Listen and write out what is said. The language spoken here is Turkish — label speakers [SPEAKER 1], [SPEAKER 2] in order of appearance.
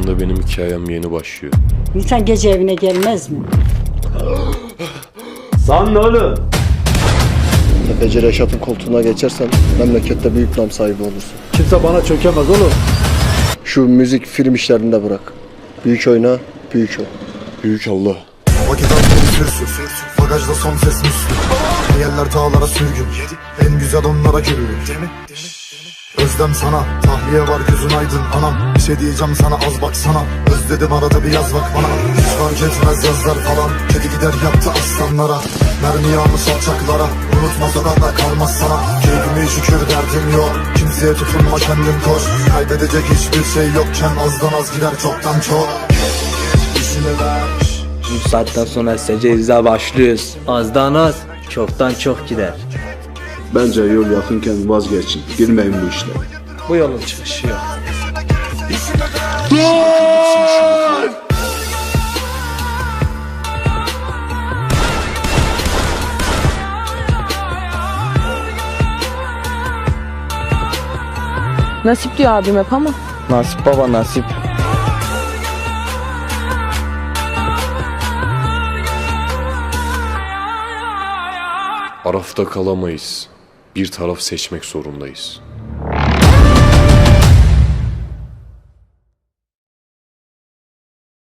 [SPEAKER 1] Aslında benim hikayem yeni başlıyor.
[SPEAKER 2] İnsan gece evine gelmez mi?
[SPEAKER 3] Sen ne oğlum?
[SPEAKER 4] Tefeci Reşat'ın koltuğuna geçersen memlekette büyük nam sahibi olursun.
[SPEAKER 3] Kimse bana çökemez oğlum.
[SPEAKER 4] Şu müzik, film işlerini de bırak. Büyük oyna, büyük ol.
[SPEAKER 1] Büyük Allah.
[SPEAKER 5] Vakit altında sürsün. Bagajda son ses müslüm. Hayaller dağlara sürgün. En güzel onlara gülür. Özlem sana, tahliye var gözün aydın anam. Bir şey diyeceğim sana, az baksana. Özledim arada bir yaz bak bana. Hiç fark etmez yazlar falan. Kedi gider yaptı aslanlara. Mermi yağmış alçaklara. Unutmasa da kalmaz sana. Keyfime şükür derdim yok. Kimseye tutunma kendin koş. Kaybedecek hiçbir şey yokken azdan az gider çoktan çok.
[SPEAKER 3] Bu saatten sonra secerize başlıyoruz. Azdan az, çoktan çok gider.
[SPEAKER 6] Bence yol yakınken vazgeçin. Girmeyin bu işlere.
[SPEAKER 3] Bu yolun çıkışı yok.
[SPEAKER 7] Nasip diyor abim hep ama.
[SPEAKER 3] Nasip baba nasip.
[SPEAKER 1] Arafta kalamayız. Bir taraf seçmek zorundayız.